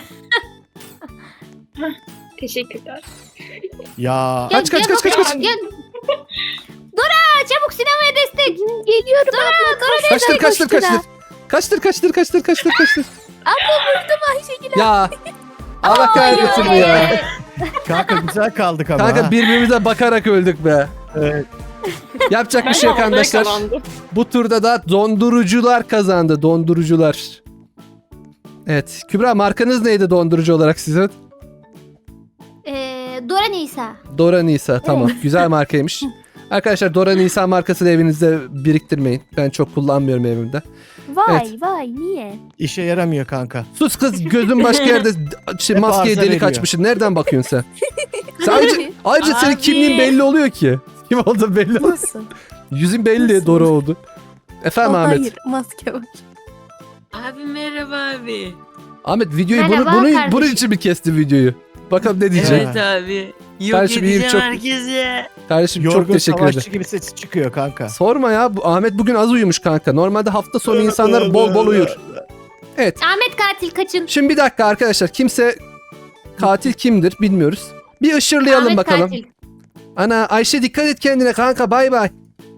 [SPEAKER 4] Teşekkürler.
[SPEAKER 5] Ya.
[SPEAKER 1] Gel,
[SPEAKER 2] Kaç, kaç,
[SPEAKER 1] gel
[SPEAKER 2] kaç, kaç,
[SPEAKER 1] bakalım,
[SPEAKER 2] kaç.
[SPEAKER 1] Gel. Dora çabuk sinemaya destek. Geliyorum Dora.
[SPEAKER 2] kaçtır kaçtır
[SPEAKER 3] koştu da.
[SPEAKER 2] kaçtır. Kaçtır.
[SPEAKER 3] Ayşegül.
[SPEAKER 2] Ya. Allah kahretsin bu ya.
[SPEAKER 5] Kanka güzel kaldık ama.
[SPEAKER 2] Kanka
[SPEAKER 5] ha.
[SPEAKER 2] birbirimize bakarak öldük be.
[SPEAKER 5] Evet.
[SPEAKER 2] Yapacak bir
[SPEAKER 4] Ben
[SPEAKER 2] şey
[SPEAKER 4] de
[SPEAKER 2] yok
[SPEAKER 4] orada
[SPEAKER 2] arkadaşlar.
[SPEAKER 4] yakalandım.
[SPEAKER 2] Bu turda da dondurucular kazandı. Dondurucular. Evet. Kübra markanız neydi dondurucu olarak sizin?
[SPEAKER 1] Dora Nisa.
[SPEAKER 2] Dora Nisa. Tamam. Güzel markaymış. Arkadaşlar Dora Nisan markasını evinizde biriktirmeyin. Ben çok kullanmıyorum evimde.
[SPEAKER 3] Vay vay niye?
[SPEAKER 5] İşe yaramıyor kanka.
[SPEAKER 2] Sus kız, gözün başka yerde
[SPEAKER 5] Hep
[SPEAKER 2] maskeye
[SPEAKER 5] arıza
[SPEAKER 2] delik
[SPEAKER 5] veriyor.
[SPEAKER 2] açmışsın. Nereden bakıyorsun sen? Sen ayrıca senin
[SPEAKER 6] Abi.
[SPEAKER 2] kimliğin belli oluyor ki. Kim olduğu belli.
[SPEAKER 3] Nasıl?
[SPEAKER 2] Yüzün belli,
[SPEAKER 3] Nasıl?
[SPEAKER 2] Dora oldu. Efendim Ahmet.
[SPEAKER 3] Hayır maske var.
[SPEAKER 6] Abi merhaba abi.
[SPEAKER 2] Ahmet videoyu
[SPEAKER 1] Merhaba
[SPEAKER 2] bunun
[SPEAKER 1] kardeşim.
[SPEAKER 2] için mi kesti videoyu? Bakalım ne diyecek.
[SPEAKER 6] Evet abi. Yok
[SPEAKER 2] Kardeşim, iyiyim,
[SPEAKER 6] edeceğim
[SPEAKER 2] çok-
[SPEAKER 6] herkese.
[SPEAKER 2] Kardeşim çok
[SPEAKER 5] Yorgun
[SPEAKER 2] teşekkür
[SPEAKER 5] savaşçı
[SPEAKER 2] ederim.
[SPEAKER 5] gibi sesi çıkıyor kanka.
[SPEAKER 2] Sorma ya. Ahmet bugün az uyumuş kanka. Normalde hafta sonu insanlar bol bol uyur. Evet.
[SPEAKER 1] Ahmet katil kaçın.
[SPEAKER 2] Şimdi bir dakika arkadaşlar. Kimse katil kimdir bilmiyoruz. Bir ışırlayalım
[SPEAKER 1] Ahmet
[SPEAKER 2] bakalım.
[SPEAKER 1] katil.
[SPEAKER 2] Ana Ayşe dikkat et kendine kanka, bay bay.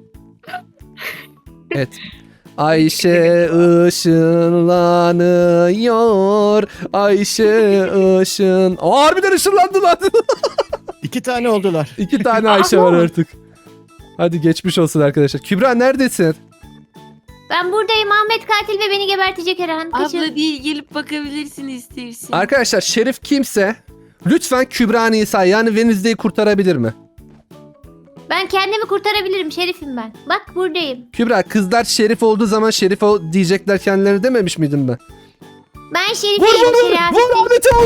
[SPEAKER 2] Evet. Ayşe ışınlanıyor. Ayşe ışın. Aa, harbiden ışınlandı lan.
[SPEAKER 5] 2 tane oldular.
[SPEAKER 2] 2 tane Ayşe var artık. Hadi geçmiş olsun arkadaşlar. Kübra neredesin?
[SPEAKER 1] Ben buradayım. Ahmet katil ve beni gebertecek Erhan. Kaçın.
[SPEAKER 6] Abla değil gelip bakabilirsin istersen.
[SPEAKER 2] Arkadaşlar Şerif kimse lütfen Kübra Nisa yani Wednesday'i kurtarabilir mi?
[SPEAKER 1] Ben kendimi kurtarabilirim. Şerifim ben. Bak buradayım.
[SPEAKER 2] Kübra, kızlar Şerif olduğu zaman Şerif diyecekler kendilerine dememiş miydim ben?
[SPEAKER 1] Ben
[SPEAKER 2] Vur
[SPEAKER 1] Şerif'im.
[SPEAKER 2] vur vur!
[SPEAKER 1] Şerif.
[SPEAKER 2] Vur Ahmet'e vur!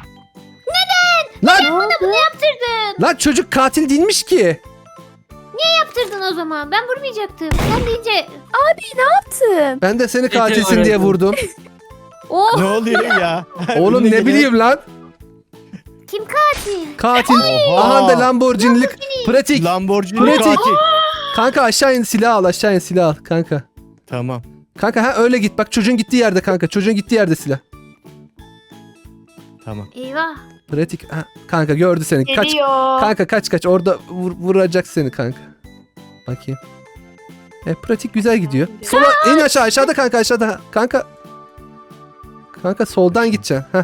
[SPEAKER 2] Lan,
[SPEAKER 3] Ne oldu?
[SPEAKER 1] Yaptırdın.
[SPEAKER 2] lan çocuk katil değilmiş ki.
[SPEAKER 1] Yaptırdın o zaman. Ben vurmayacaktım. Sen deyince...
[SPEAKER 3] Yaptım.
[SPEAKER 2] Ben de seni katilsin diye vurdum.
[SPEAKER 1] Oh!
[SPEAKER 5] Ne oluyor ya?
[SPEAKER 2] Oğlum
[SPEAKER 5] Önüne
[SPEAKER 2] ne
[SPEAKER 5] gelen-
[SPEAKER 2] bileyim lan.
[SPEAKER 1] Kim katil?
[SPEAKER 2] Katil.
[SPEAKER 5] Oha.
[SPEAKER 2] Aha da Lamborghini'lik. Pratik.
[SPEAKER 5] Lamborghini
[SPEAKER 2] Pratik.
[SPEAKER 5] katil.
[SPEAKER 2] Kanka aşağı in, silah al, aşağı in, silah al kanka.
[SPEAKER 5] Tamam.
[SPEAKER 2] Kanka ha öyle git, bak çocuğun gittiği yerde kanka, çocuğun gittiği yerde silah.
[SPEAKER 5] Tamam.
[SPEAKER 1] Eyvah.
[SPEAKER 2] Pratik ha, kanka gördü seni, kaç.
[SPEAKER 4] Geliyor.
[SPEAKER 2] Kanka kaç orada vuracak seni kanka. Bakayım. Pratik güzel gidiyor. Sola in, aşağıda kanka, aşağıda. Kanka soldan gideceksin. Heh.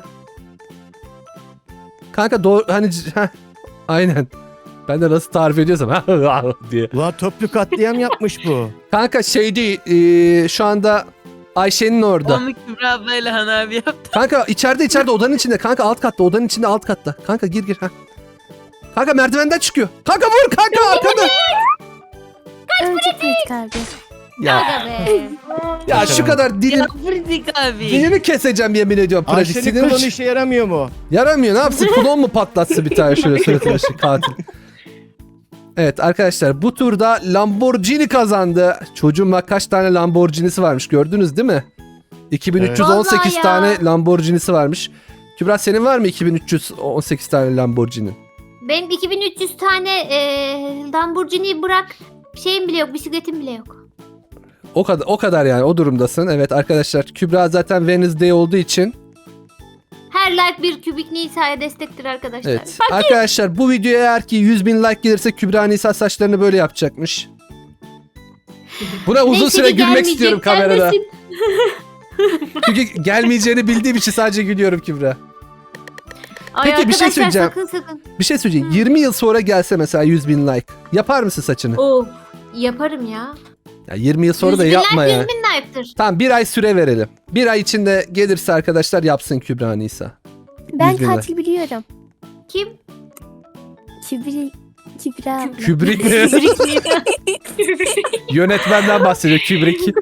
[SPEAKER 2] Kanka doğru hani aynen. Ben de nasıl tarif ediyorsam diye.
[SPEAKER 5] Ulan toplu katliam yapmış bu.
[SPEAKER 2] Kanka şey değil, şu anda Ayşe'nin orada.
[SPEAKER 6] Onu Kübra ablayla Han abi yaptı.
[SPEAKER 2] Kanka içeride odanın içinde. Kanka alt katta, odanın içinde alt katta. Kanka gir. Ha. Kanka merdivenden çıkıyor. Kanka vur kanka arkada.
[SPEAKER 3] Önce pratik abi.
[SPEAKER 2] Ya,
[SPEAKER 1] Aga be.
[SPEAKER 2] ya şu kadar dilim,
[SPEAKER 6] Ya Pratik abi.
[SPEAKER 2] dilini keseceğim yemin ediyorum. Pratik
[SPEAKER 5] Ayşe'nin
[SPEAKER 2] sinirim
[SPEAKER 5] klonu işe yaramıyor mu?
[SPEAKER 2] yaramıyor. Ne yapsın? Klon mu patlatsın bir tane şöyle suratına şu katil. Evet arkadaşlar, bu turda Lamborghini kazandı. Çocuğun bak kaç tane Lamborghini'si varmış, gördünüz değil mi? 2318
[SPEAKER 1] Vallahi ya.
[SPEAKER 2] tane Lamborghini'si varmış. Kübra senin var mı 2318 tane Lamborghini?
[SPEAKER 1] Benim 2300 tane Lamborghini'yi bırak. Şeyim bile yok. Bisikletim bile yok.
[SPEAKER 2] O kadar yani, o durumdasın. Evet arkadaşlar, Kübra zaten Wednesday olduğu için.
[SPEAKER 1] Her like bir kübik Nisa'ya destektir arkadaşlar.
[SPEAKER 2] Evet. Arkadaşlar bu videoya eğer ki 100.000 like gelirse Kübra Nisa saçlarını böyle yapacakmış. Buna uzun
[SPEAKER 1] Neyse
[SPEAKER 2] süre
[SPEAKER 1] ki
[SPEAKER 2] gülmek
[SPEAKER 1] gelmeyecek,
[SPEAKER 2] istiyorum kamerada.
[SPEAKER 1] gelmesin.
[SPEAKER 2] Çünkü gelmeyeceğini bildiğim için sadece gülüyorum Kübra.
[SPEAKER 1] Ay
[SPEAKER 2] Peki, bir şey
[SPEAKER 1] arkadaşlar,
[SPEAKER 2] söyleyeceğim.
[SPEAKER 1] Sakın.
[SPEAKER 2] Bir şey söyleyeceğim. 20 yıl sonra gelse mesela 100.000 like. Yapar mısın saçını?
[SPEAKER 1] Oh. Yaparım ya.
[SPEAKER 2] Ya 20 yıl sonra da
[SPEAKER 1] 100.000
[SPEAKER 2] yapma
[SPEAKER 1] like,
[SPEAKER 2] ya.
[SPEAKER 1] 100.000 like'tır.
[SPEAKER 2] Tamam, bir ay süre verelim. Bir ay içinde gelirse arkadaşlar yapsın Kübra Nisa.
[SPEAKER 3] Ben
[SPEAKER 2] 100.000 like.
[SPEAKER 3] katil biliyorum.
[SPEAKER 1] Kim?
[SPEAKER 3] Kübra.
[SPEAKER 2] Kübrik mi? Yönetmenden bahsediyor Kübrik.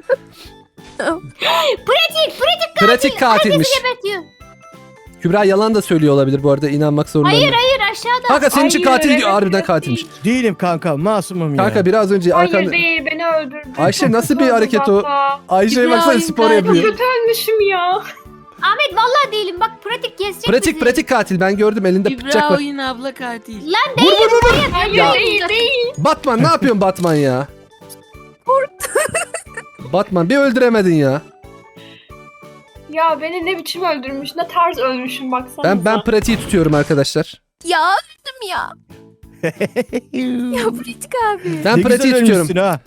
[SPEAKER 2] Pratik katilmiş.
[SPEAKER 1] Gebetiyor.
[SPEAKER 2] Kübra yalan da söylüyor olabilir bu arada, inanmak zorundayım.
[SPEAKER 1] Hayır aşağıda.
[SPEAKER 2] Kanka senin için
[SPEAKER 4] Hayır,
[SPEAKER 2] katil diyor,
[SPEAKER 4] evet,
[SPEAKER 2] harbiden
[SPEAKER 4] evet
[SPEAKER 2] katilmiş.
[SPEAKER 5] Değilim kanka, masumum ya.
[SPEAKER 2] Kanka biraz önce
[SPEAKER 4] Hayır
[SPEAKER 2] arkanda...
[SPEAKER 4] değil, beni öldürdü.
[SPEAKER 2] Ayşe nasıl bir
[SPEAKER 4] Çok
[SPEAKER 2] hareket o?
[SPEAKER 4] uzakta.
[SPEAKER 2] Ayşe'ye
[SPEAKER 6] Kübra
[SPEAKER 2] baksana,
[SPEAKER 6] oyun
[SPEAKER 2] spor
[SPEAKER 6] katil.
[SPEAKER 2] yapıyor.
[SPEAKER 4] Kötü ölmüşüm ya.
[SPEAKER 1] Ahmet vallahi değilim. Bak pratik kesecek bizi.
[SPEAKER 2] Pratik katil, ben gördüm elinde bıçak
[SPEAKER 6] Kübra
[SPEAKER 2] var.
[SPEAKER 6] oyun abla katil.
[SPEAKER 1] Lan
[SPEAKER 2] Vur vur vur vur.
[SPEAKER 4] Hayır
[SPEAKER 2] Ya.
[SPEAKER 4] değil.
[SPEAKER 2] Batman ne yapıyorsun Batman ya? Batman bir öldüremedin ya.
[SPEAKER 4] Ya beni ne biçim öldürmüş, ne tarz ölmüşüm baksana.
[SPEAKER 2] Ben pratiği tutuyorum arkadaşlar.
[SPEAKER 3] Ya öldüm ya. Ya pratik abi.
[SPEAKER 2] Ben
[SPEAKER 5] Ne
[SPEAKER 2] pratiği
[SPEAKER 5] güzel
[SPEAKER 2] tutuyorum.
[SPEAKER 5] ölmüşsün ha.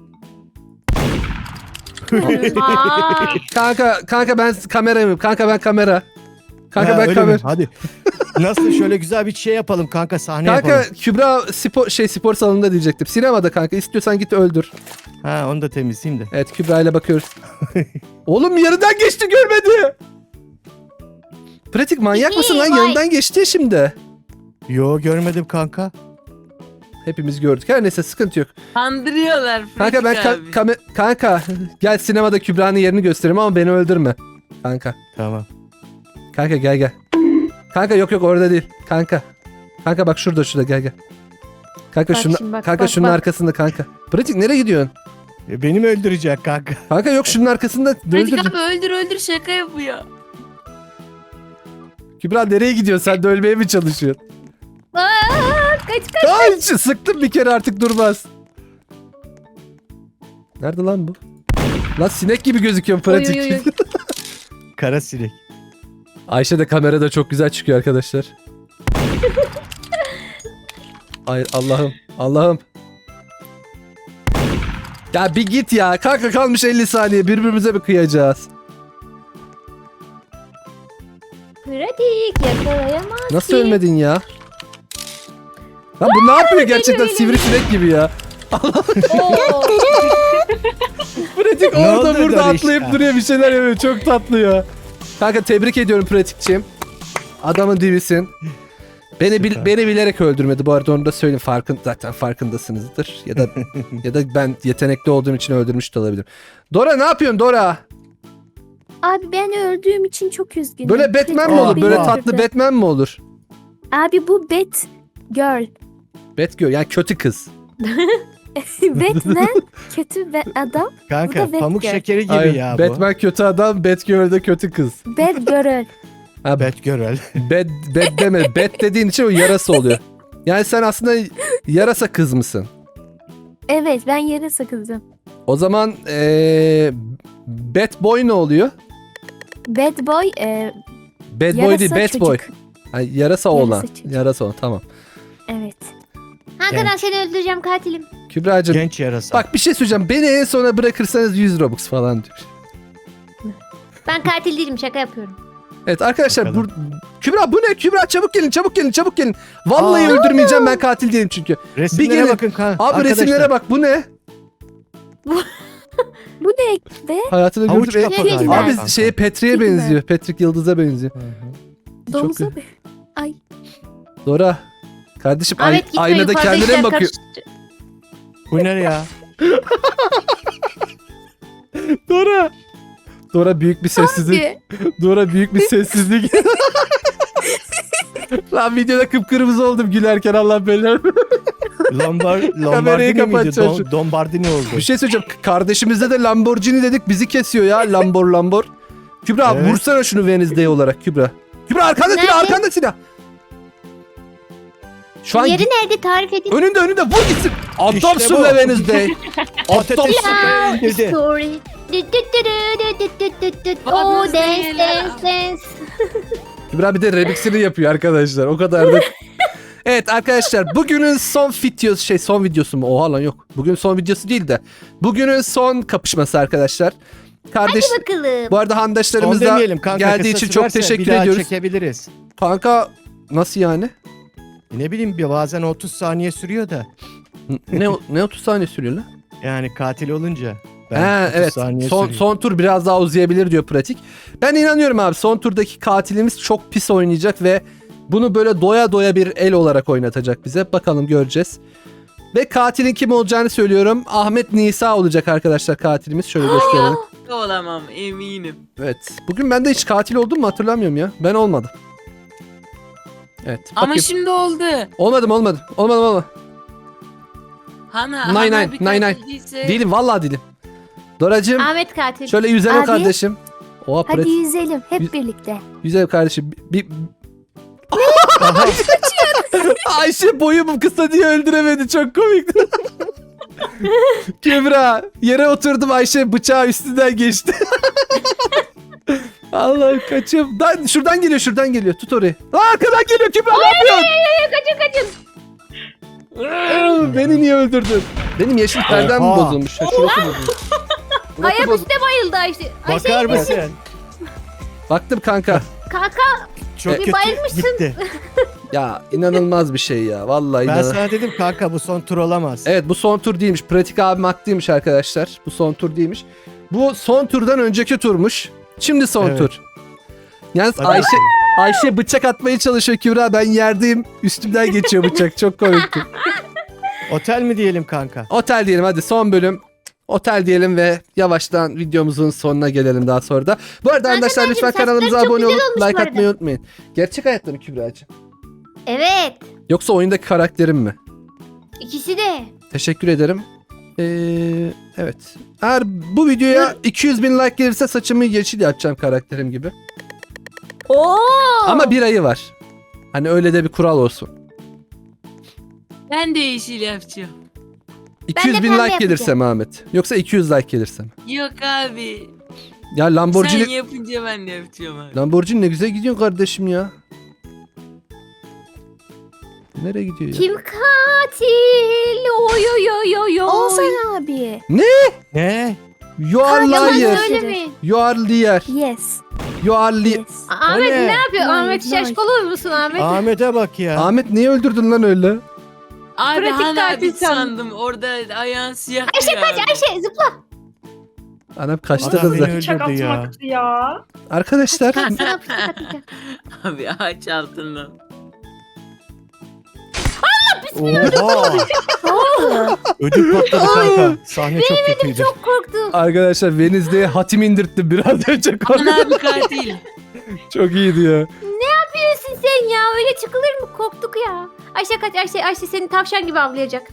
[SPEAKER 1] Aa,
[SPEAKER 2] Kanka ben kamerayım. Kanka ben kamera. Kanka
[SPEAKER 5] Ha,
[SPEAKER 2] ben
[SPEAKER 5] öyle
[SPEAKER 2] kamera.
[SPEAKER 5] mi? Hadi. Nasıl şöyle güzel bir şey yapalım kanka, sahne
[SPEAKER 2] Kanka
[SPEAKER 5] yapalım.
[SPEAKER 2] Kübra spor salonunda diyecektim. Sinemada kanka, istiyorsan git öldür.
[SPEAKER 5] Ha, onu da temizleyeyim de.
[SPEAKER 2] Evet, Kübra ile bakıyoruz. Oğlum yanından geçti, görmedi. Pratik manyak mısın lan?
[SPEAKER 1] Vay.
[SPEAKER 2] Yanından geçti ya şimdi.
[SPEAKER 5] Yo, görmedim kanka.
[SPEAKER 2] Hepimiz gördük. Her neyse sıkıntı yok.
[SPEAKER 6] Kandırıyorlar
[SPEAKER 2] Kanka ben
[SPEAKER 6] Pratik abi.
[SPEAKER 2] kanka gel sinemada Kübra'nın yerini göstereyim ama beni öldürme. Kanka.
[SPEAKER 5] Tamam.
[SPEAKER 2] Kanka gel. Kanka yok orada değil. Kanka. Kanka bak şurada gel. Kanka
[SPEAKER 1] Bak
[SPEAKER 2] şunun
[SPEAKER 1] şimdi bak,
[SPEAKER 2] kanka
[SPEAKER 1] bak,
[SPEAKER 2] şunun
[SPEAKER 1] bak.
[SPEAKER 2] arkasında kanka. Pratik nereye gidiyorsun?
[SPEAKER 5] Beni mi öldürecek kanka?
[SPEAKER 2] Kanka yok şunun arkasında.
[SPEAKER 6] Pratik
[SPEAKER 2] Öldür.
[SPEAKER 6] abi öldür şaka yapıyor.
[SPEAKER 2] Kübra nereye gidiyorsun? Sen de ölmeye mi çalışıyorsun?
[SPEAKER 1] Aa, kaç.
[SPEAKER 2] Ay sıktım bir kere artık durmaz. Nerede lan bu? Lan sinek gibi gözüküyor pratik.
[SPEAKER 1] Oy, oy, oy.
[SPEAKER 5] Kara sinek.
[SPEAKER 2] Ayşe de kamerada çok güzel çıkıyor arkadaşlar. Ay Allah'ım. Ya bir git ya. Kanka kalmış 50 saniye. Birbirimize mi kıyacağız?
[SPEAKER 1] Pratik yakalayamaz.
[SPEAKER 2] Nasıl ölmedin ya? Lan bu ne yapıyor gerçekten
[SPEAKER 1] öyle.
[SPEAKER 2] sivrisinek gibi ya.
[SPEAKER 1] Oo.
[SPEAKER 2] Pratik
[SPEAKER 5] Ne
[SPEAKER 2] orada
[SPEAKER 5] oldu
[SPEAKER 2] burada
[SPEAKER 5] Doriş
[SPEAKER 2] atlayıp
[SPEAKER 5] ya?
[SPEAKER 2] duruyor bir şeyler yapıyor. Çok tatlı ya. Kanka tebrik ediyorum pratikçim. Adamın dibisin.
[SPEAKER 5] Süper.
[SPEAKER 2] Beni bilerek öldürmedi bu arada onu da söyleyeyim. Zaten farkındasınızdır. Ya da ben yetenekli olduğum için öldürmüş de olabilirim. Dora ne yapıyorsun Dora?
[SPEAKER 3] Abi ben öldüğüm için çok üzgünüm.
[SPEAKER 2] Böyle Batman mi
[SPEAKER 5] Aa,
[SPEAKER 2] olur? Böyle
[SPEAKER 5] aa.
[SPEAKER 2] tatlı Batman mi olur?
[SPEAKER 3] Abi bu Bat Girl.
[SPEAKER 2] Batgirl yani kötü kız.
[SPEAKER 3] Batman kötü ve adam.
[SPEAKER 5] Kanka
[SPEAKER 3] Bu da
[SPEAKER 5] pamuk
[SPEAKER 3] Batgirl.
[SPEAKER 5] şekeri gibi
[SPEAKER 2] Ay,
[SPEAKER 5] ya bu.
[SPEAKER 2] Batman kötü adam, Batgirl de kötü kız.
[SPEAKER 3] Bad Girl.
[SPEAKER 2] Ha,
[SPEAKER 5] Batgirl.
[SPEAKER 2] Bat deme. Bat dediğin için o yarasa oluyor. Yani sen aslında yarasa kız mısın?
[SPEAKER 3] Evet ben yere sakızım.
[SPEAKER 2] O zaman Bat Boy ne oluyor?
[SPEAKER 3] Bad Boy
[SPEAKER 2] Bad Boy
[SPEAKER 3] yarasa
[SPEAKER 2] değil, Bat Boy.
[SPEAKER 3] çocuk.
[SPEAKER 2] Yani yarasa oğlan.
[SPEAKER 3] çocuk.
[SPEAKER 2] Yarasa oğlan tamam.
[SPEAKER 3] Evet.
[SPEAKER 1] Hankadan
[SPEAKER 5] Genç.
[SPEAKER 1] seni öldüreceğim katilim.
[SPEAKER 2] Kübra'cığım
[SPEAKER 5] Genç yarasa.
[SPEAKER 2] bak bir şey söyleyeceğim. Beni en sona bırakırsanız 100 Robux falan diyor.
[SPEAKER 1] Ben katil değilim şaka yapıyorum.
[SPEAKER 2] Evet arkadaşlar
[SPEAKER 5] Bakalım.
[SPEAKER 2] Kübra bu ne? Kübra çabuk gelin. Vallahi
[SPEAKER 5] Aa.
[SPEAKER 2] öldürmeyeceğim ben katil değilim çünkü.
[SPEAKER 5] Resimlere
[SPEAKER 2] gelin.
[SPEAKER 5] bakın kanka.
[SPEAKER 2] Abi
[SPEAKER 5] Arkadaşlar,
[SPEAKER 2] resimlere bak bu ne?
[SPEAKER 3] Bu ne be?
[SPEAKER 2] Hayatını
[SPEAKER 5] Havuç
[SPEAKER 2] gördüm.
[SPEAKER 5] kafa galiba
[SPEAKER 2] Abi
[SPEAKER 5] kanka.
[SPEAKER 2] şeye Petri'ye
[SPEAKER 3] Değil mi?
[SPEAKER 2] benziyor. Patrick Yıldız'a benziyor.
[SPEAKER 5] Hı hı.
[SPEAKER 3] Domuza
[SPEAKER 2] Çok-
[SPEAKER 3] be. Ay.
[SPEAKER 2] Dora. Kardeşim
[SPEAKER 1] Ahmet gitme
[SPEAKER 2] aynada
[SPEAKER 1] yukarıda
[SPEAKER 2] kendine
[SPEAKER 1] işler
[SPEAKER 2] mi bakıyor?
[SPEAKER 1] karıştı.
[SPEAKER 5] Bu ne ya?
[SPEAKER 2] Dora büyük bir sessizlik.
[SPEAKER 3] Abi.
[SPEAKER 2] Dora büyük bir sessizlik. Lan videoda kıpkırmızı oldum gülerken Allah belanı.
[SPEAKER 5] Lombardini miydi?
[SPEAKER 2] kapatacağım şu-
[SPEAKER 5] Lombardini oldu.
[SPEAKER 2] Bir şey söyleyeceğim. Kardeşimizde de Lamborghini dedik bizi kesiyor ya. Lambor. Kübra
[SPEAKER 5] Evet.
[SPEAKER 2] vursana şunu Wednesday olarak Kübra. Kübra arkanda
[SPEAKER 1] Nerede?
[SPEAKER 2] silah arkanda silah. Şu an
[SPEAKER 1] Yeri nerede tarif edin?
[SPEAKER 2] önünde vur gitsin. Adamsın
[SPEAKER 5] İşte bu.
[SPEAKER 2] be Wednesday.
[SPEAKER 5] Patates
[SPEAKER 2] Adamsın.
[SPEAKER 5] indirdi.
[SPEAKER 1] Story. Oh dance.
[SPEAKER 2] Kübra bir de remixini yapıyor arkadaşlar. O kadar da. Evet arkadaşlar bugünün son videosu mu? Oha lan yok. Bugün son videosu değil de. Bugünün son kapışması arkadaşlar. Kardeş
[SPEAKER 1] Bakalım.
[SPEAKER 2] bu arada
[SPEAKER 5] Son
[SPEAKER 2] handaşlarımız da
[SPEAKER 5] demeyelim kanka.
[SPEAKER 2] geldiği için
[SPEAKER 5] kısası
[SPEAKER 2] çok
[SPEAKER 5] varsa
[SPEAKER 2] teşekkür
[SPEAKER 5] bir daha
[SPEAKER 2] ediyoruz.
[SPEAKER 5] çekebiliriz.
[SPEAKER 2] Kanka nasıl yani?
[SPEAKER 5] Ne bileyim bazen 30 saniye sürüyor da.
[SPEAKER 2] Ne 30 saniye sürüyor lan?
[SPEAKER 5] Yani katil olunca.
[SPEAKER 2] Ha,
[SPEAKER 5] 30
[SPEAKER 2] evet.
[SPEAKER 5] saniye
[SPEAKER 2] Son,
[SPEAKER 5] sürüyor.
[SPEAKER 2] son tur biraz daha uzayabilir diyor pratik. Ben inanıyorum abi. Son turdaki katilimiz çok pis oynayacak ve bunu böyle doya doya bir el olarak oynatacak bize. Bakalım göreceğiz. Ve katilin kim olacağını söylüyorum. Ahmet Nisa olacak arkadaşlar katilimiz. Şöyle gösterelim.
[SPEAKER 6] Olamam eminim.
[SPEAKER 2] Evet. Bugün ben de hiç katil oldum mu hatırlamıyorum ya. Ben olmadım. Evet.
[SPEAKER 6] Ama
[SPEAKER 2] bakayım.
[SPEAKER 6] şimdi oldu.
[SPEAKER 2] Olmadım.
[SPEAKER 6] Hana
[SPEAKER 2] Nine,
[SPEAKER 6] Hana
[SPEAKER 2] nine,
[SPEAKER 6] bir
[SPEAKER 2] nine,
[SPEAKER 6] katil değilse.
[SPEAKER 2] Değilim vallahi değilim. Doracığım
[SPEAKER 1] Ahmet katil.
[SPEAKER 2] şöyle yüzeme
[SPEAKER 3] Abi.
[SPEAKER 2] kardeşim. Oha
[SPEAKER 3] Hadi
[SPEAKER 2] pratik.
[SPEAKER 3] yüzelim hep birlikte.
[SPEAKER 2] Yüzeme kardeşim. Ayşe boyum kısa diye öldüremedi. Çok komikti. Kübra yere oturdum Ayşe bıçağı üstünden geçti. Allah'ım kaçıyorum. Şuradan geliyor. Tut orayı. Arkadan geliyor Kübra ne yapıyorsun?
[SPEAKER 1] Kaçın.
[SPEAKER 2] Beni niye öldürdün? Benim yeşil perdem mi
[SPEAKER 5] Oha.
[SPEAKER 2] bozulmuş? Ha, şurası bozulmuş. Burası
[SPEAKER 1] Ayak
[SPEAKER 2] bozulmuş.
[SPEAKER 1] üstte bayıldı Ayşe.
[SPEAKER 5] Bakar mısın?
[SPEAKER 2] Baktım kanka.
[SPEAKER 1] Kanka
[SPEAKER 5] Çok
[SPEAKER 2] Bir
[SPEAKER 5] kötü
[SPEAKER 1] bayılmışsın.
[SPEAKER 5] gitti.
[SPEAKER 2] Ya inanılmaz bir şey ya. Vallahi
[SPEAKER 5] Ben
[SPEAKER 2] inanılmaz.
[SPEAKER 5] sana dedim kanka bu son tur olamaz.
[SPEAKER 2] Evet bu son tur değilmiş. Pratik abim haklıymış arkadaşlar. Bu son tur değilmiş. Bu son turdan önceki turmuş. Şimdi son
[SPEAKER 5] Evet.
[SPEAKER 2] tur. Yalnız
[SPEAKER 5] Hadi
[SPEAKER 2] Ayşe bıçak atmaya çalışıyor Kübra. Ben yerdeyim. Üstümden geçiyor bıçak. Çok komikti.
[SPEAKER 5] Otel mi diyelim kanka?
[SPEAKER 2] Otel diyelim hadi, son bölüm. Otel diyelim ve yavaştan videomuzun sonuna gelelim daha sonra da. Bu arada arkadaşlar lütfen
[SPEAKER 1] saçları
[SPEAKER 2] kanalımıza
[SPEAKER 1] çok
[SPEAKER 2] abone
[SPEAKER 1] güzel
[SPEAKER 2] olup
[SPEAKER 1] olmuş bu
[SPEAKER 2] like
[SPEAKER 1] arada.
[SPEAKER 2] atmayı unutmayın. Gerçek hayatta mı Kübra'cığım?
[SPEAKER 1] Evet.
[SPEAKER 2] Yoksa oyundaki karakterim mi?
[SPEAKER 1] İkisi de.
[SPEAKER 2] Teşekkür ederim. Evet. Eğer bu videoya 200 bin like gelirse saçımı yeşil yapacağım karakterim gibi.
[SPEAKER 1] Oo.
[SPEAKER 2] Ama bir ayı var. Hani öyle de bir kural olsun.
[SPEAKER 6] Ben de yeşil yapacağım.
[SPEAKER 2] 200
[SPEAKER 1] de
[SPEAKER 2] bin
[SPEAKER 1] pembe
[SPEAKER 2] like gelirse
[SPEAKER 1] yapacağım.
[SPEAKER 2] mi Ahmet? Yoksa 200 like gelirse mi?
[SPEAKER 6] Yok abi.
[SPEAKER 2] Ya Lamborghini...
[SPEAKER 6] Sen yapınca ben de yapacağım abi.
[SPEAKER 2] Lamborghini ne güzel gidiyorsun kardeşim ya. Nereye gidiyor ya?
[SPEAKER 1] Kim katil? Oy oy oy oy oy.
[SPEAKER 3] Oğuzhan abi.
[SPEAKER 5] Ne?
[SPEAKER 2] You are
[SPEAKER 1] Yalan
[SPEAKER 2] liar.
[SPEAKER 1] söylemeyin.
[SPEAKER 2] You are liar.
[SPEAKER 3] Yes.
[SPEAKER 2] You are li...
[SPEAKER 3] Yes.
[SPEAKER 1] Ahmet
[SPEAKER 5] O ne?
[SPEAKER 1] ne yapıyor?
[SPEAKER 3] Hayır,
[SPEAKER 1] Ahmet
[SPEAKER 3] hayır.
[SPEAKER 1] şaşkın musun Ahmet?
[SPEAKER 5] Ahmet'e bak ya.
[SPEAKER 2] Ahmet niye öldürdün lan öyle?
[SPEAKER 6] Abi
[SPEAKER 1] Pratik
[SPEAKER 6] Han
[SPEAKER 1] katil
[SPEAKER 6] abi sandım. Orada ayağın siyah.
[SPEAKER 1] Ayşe kaç Ayşe zıpla.
[SPEAKER 2] Anam kaçtı
[SPEAKER 5] Adam
[SPEAKER 2] kızlar.
[SPEAKER 5] beni
[SPEAKER 4] Bıçak
[SPEAKER 5] öldürdü ya.
[SPEAKER 4] atmaktı ya.
[SPEAKER 2] Arkadaşlar
[SPEAKER 1] Sana fıstık atacağım.
[SPEAKER 6] Abi ağaç altından.
[SPEAKER 5] Oha. Ödüm patladı kanka. Sahne çok kötüydü.
[SPEAKER 1] Çok korktum.
[SPEAKER 2] arkadaşlar Wednesday'e hatim indirttim biraz önce.
[SPEAKER 6] Han abi katil.
[SPEAKER 2] Çok iyiydi ya.
[SPEAKER 1] Yapıyorsun sen ya? Öyle çıkılır mı? Korktuk ya. Ayşe kaç Ayşe. Ayşe seni tavşan gibi avlayacak.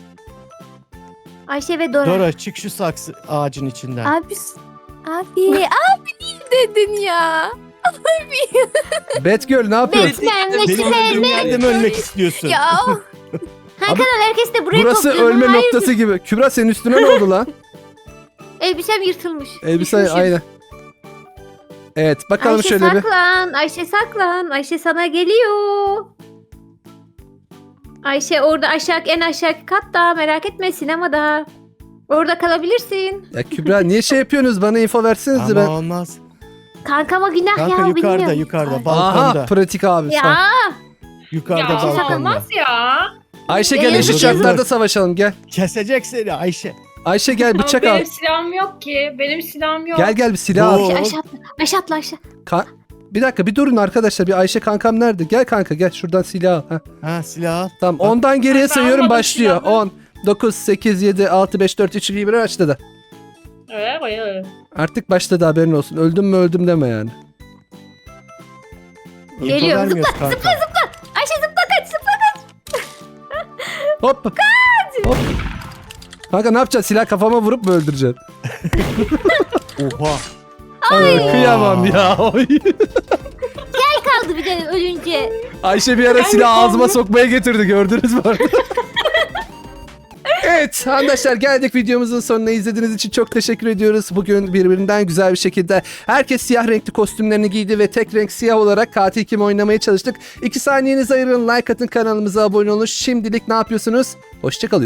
[SPEAKER 1] Ayşe ve Dora.
[SPEAKER 5] Dora çık şu saksı ağacın içinden.
[SPEAKER 3] Abi. Abi niye dedin ya?
[SPEAKER 2] Batgirl ne yapıyorsun?
[SPEAKER 1] Batman'le
[SPEAKER 5] Benim öldüğüm yerde mi ölmek istiyorsun?
[SPEAKER 3] Ya
[SPEAKER 1] Hakan herkes de buraya
[SPEAKER 2] Burası
[SPEAKER 1] topluyor.
[SPEAKER 2] ölme
[SPEAKER 1] Hayır,
[SPEAKER 2] noktası gibi. Kübra senin üstüne ne oldu lan?
[SPEAKER 1] elbisem yırtılmış.
[SPEAKER 2] Elbise
[SPEAKER 1] Düşmüşüm.
[SPEAKER 2] aynen. Evet bakalım
[SPEAKER 1] Ayşe
[SPEAKER 2] şöyle bir.
[SPEAKER 1] saklan. Ayşe saklan. Ayşe sana geliyor. Ayşe orada aşağı en aşağı katta, merak etme, sinemada. Orada kalabilirsin.
[SPEAKER 2] Ya Kübra niye şey yapıyorsunuz? Bana info versenize
[SPEAKER 5] Ama
[SPEAKER 2] ben.
[SPEAKER 5] olmaz.
[SPEAKER 1] Kankama günah
[SPEAKER 5] Kanka
[SPEAKER 1] ya,
[SPEAKER 5] yukarıda
[SPEAKER 1] bilmiyorum.
[SPEAKER 5] yukarıda
[SPEAKER 3] Ay.
[SPEAKER 5] balkonda.
[SPEAKER 2] Aha pratik abi. sağ ol.
[SPEAKER 1] Ya
[SPEAKER 5] Yukarıda
[SPEAKER 4] Ya
[SPEAKER 5] balkonda.
[SPEAKER 4] olmaz ya.
[SPEAKER 2] Ayşe gel
[SPEAKER 1] Yazık,
[SPEAKER 2] eşit
[SPEAKER 1] yazık.
[SPEAKER 2] şartlarda savaşalım gel.
[SPEAKER 5] Kesecek seni Ayşe.
[SPEAKER 2] Ayşe gel
[SPEAKER 4] Ama
[SPEAKER 2] bıçak al.
[SPEAKER 4] benim silahım yok ki. Benim silahım yok.
[SPEAKER 2] Gel bir silah al.
[SPEAKER 5] Oo.
[SPEAKER 1] Ayşe aşağı atla. Aşağı atla Ayşe.
[SPEAKER 2] Bir dakika bir durun arkadaşlar. Bir Ayşe kankam nerede? Gel kanka gel şuradan silah al. Heh.
[SPEAKER 5] Ha silah al.
[SPEAKER 2] Tamam ondan geriye
[SPEAKER 4] Ben
[SPEAKER 2] sayıyorum
[SPEAKER 4] almadım
[SPEAKER 2] başlıyor.
[SPEAKER 4] silahı.
[SPEAKER 2] 10, 9, 8, 7, 6, 5, 4, 3, 2, 1 başladı.
[SPEAKER 4] Evet.
[SPEAKER 2] Artık başladı haberin olsun. Öldüm mü öldüm deme yani.
[SPEAKER 5] İnfo
[SPEAKER 1] Geliyor,
[SPEAKER 5] vermiyoruz kanka.
[SPEAKER 1] Ayşe zıpla kaç zıpla.
[SPEAKER 2] Hop. Hop. Kanka ne yapacaksın? Silah kafama vurup mu öldüreceksin?
[SPEAKER 5] Oha.
[SPEAKER 2] Ay, kıyamam ya. Oy.
[SPEAKER 1] Kaldı bir de ölünce.
[SPEAKER 2] Ayşe bir ara silah ağzıma sokmaya getirdi gördünüz mü? Evet arkadaşlar geldik videomuzun sonuna, izlediğiniz için çok teşekkür ediyoruz. Bugün birbirinden güzel bir şekilde herkes siyah renkli kostümlerini giydi ve tek renk siyah olarak katil kim oynamaya çalıştık. 2 saniyenizi ayırın, like atın, kanalımıza abone olun. Şimdilik ne yapıyorsunuz? Hoşçakalın.